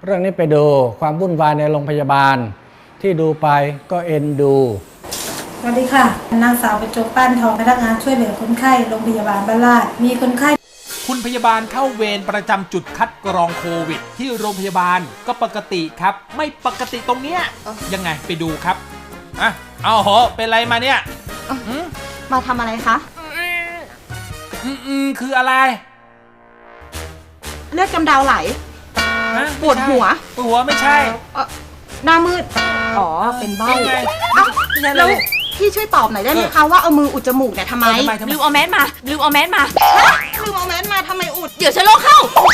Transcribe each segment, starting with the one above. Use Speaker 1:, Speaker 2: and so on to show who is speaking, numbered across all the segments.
Speaker 1: รื่องนี้ไปดูความวุ่นวายในโรงพยาบาลที่ดูไปก็เอ็นดู
Speaker 2: สวัสดีค่ะนางสาวประจบป้านทองพนักงานช่วยเหลือคนไข้โรงพยาบาลบ้านลาดมีคนไข้
Speaker 3: คุณพยาบาลเข้าเวรประจำจุดคัดกรองโควิดที่โรงพยาบาลก็ปกติครับไม่ปกติตรงเนี้ยยังไงไปดูครับเอาเหรอเป็นไรมาเนี่ย
Speaker 4: มาทำอะไรคะ
Speaker 3: คืออะไร
Speaker 4: เลือดกำเดาไหลปวดหัว
Speaker 3: ไม่ใช่
Speaker 4: หน้ามืดอ๋อเป็นเบ้าแล้วพี่ช่วยตอบหน่อยได้ไหมคะว่าเอามืออุดจมูกเนี่ยทำไม
Speaker 5: ลืมเอาแมสมาลืมเอาแมสมา
Speaker 4: ทำไมอุด
Speaker 5: เดี๋ยวเชื้อโรคเข้า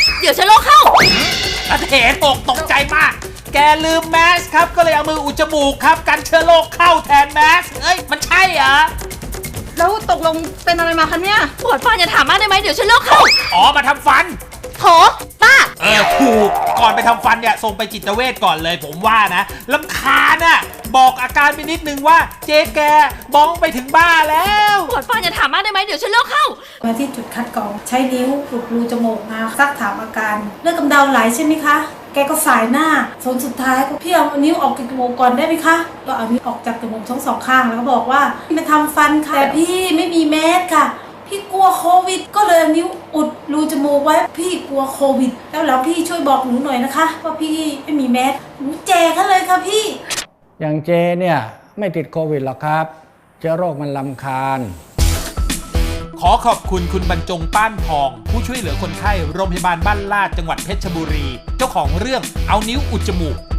Speaker 3: อาเถนตกใจมากแกลืมแมสครับก็เลยเอามืออุดจมูกครับกันเชื้อโรคเข้าแทนแมสมันใช่เหรอ
Speaker 4: แล้วตกลงเป็นอะไรมาคะเนี่ย
Speaker 5: ปวดฟันจะถามมากได้ไหมเดี๋ยวเชื้อโรคเข้า
Speaker 3: มาทำฟัน
Speaker 5: โถป้า
Speaker 3: ถูกก่อนไปทำฟันเนี่ยส่งไปจิตเวชก่อนเลยผมว่านะรำคาญน่ะบอกอาการไปนิดนึงว่าเจ๊แกบ้องไปถึงบ้าแล้ว
Speaker 5: ปวดฟันจะถามมากได้ไหมเดี๋ยวเชื้อโรคเข้า
Speaker 2: มาที่จุดคัดกรองใช้นิ้วอุดรูจมูกมาซักถามอาการเลือดกำเดาไหลใช่ไหมคะแกก็สายหน้าสุดท้ายก็พี่เอานิ้วออกจากจมูกก่อนได้ไหมคะก็เอานิ้วออกจากจมูกทั้งสองข้างแล้วก็บอกว่าไปทำฟันค่ะแต่พี่ไม่มีแมสค่ะพี่กลัวโควิดก็เลยนิ้วอุดรูจมูกไว้พี่กลัวโควิดแล้วพี่ช่วยบอกหนูหน่อยนะคะว่าพี่ไม่มีแมสหนูแจกกันเลยค่ะพี่
Speaker 1: อย่างเจเนี่ยไม่ติดโควิดหรอกครับเชื้อโรคมันรำคาญ
Speaker 3: ขอขอบคุณคุณบรรจงป้านทองผู้ช่วยเหลือคนไข้โรงพยาบาลบ้านลาดจังหวัดเพชรบุรีเจ้าของเรื่องเอานิ้วอุดจมูก